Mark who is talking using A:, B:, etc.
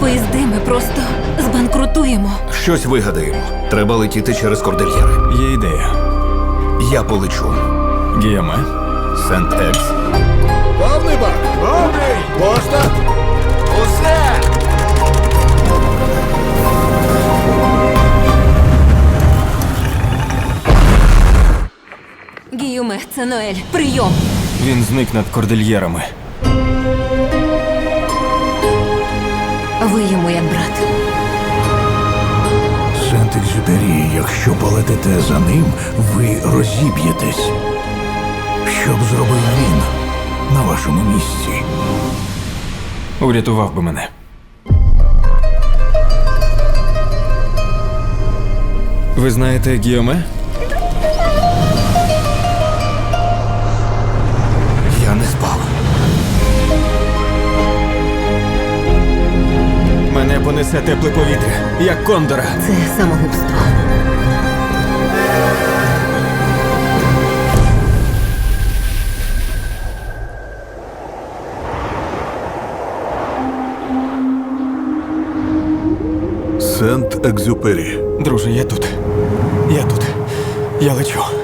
A: виїзди ми просто збанкрутуємо.
B: Щось вигадаємо. Треба летіти через кордильєри.
C: Є ідея.
B: Я полечу.
C: Гіоме?
B: Сент-Екс.
D: Повний бак! Повний! Пошта!
B: Усе!
A: Гіюме, це Ноель. Прийом!
C: Він зник над кордильєрами.
A: Ви йому як брат.
D: Сент-Екзюпері, якщо полетите за ним, ви розіб'єтесь. Що б зробив він на вашому місці?
C: Урятував би мене. Ви знаєте Гіоме?
B: Я не спав.
C: Мене понесе тепле повітря, як кондора.
A: Це самогубство.
D: Сент-Екзюпері.
C: Друже, я тут. Я тут. Я лечу.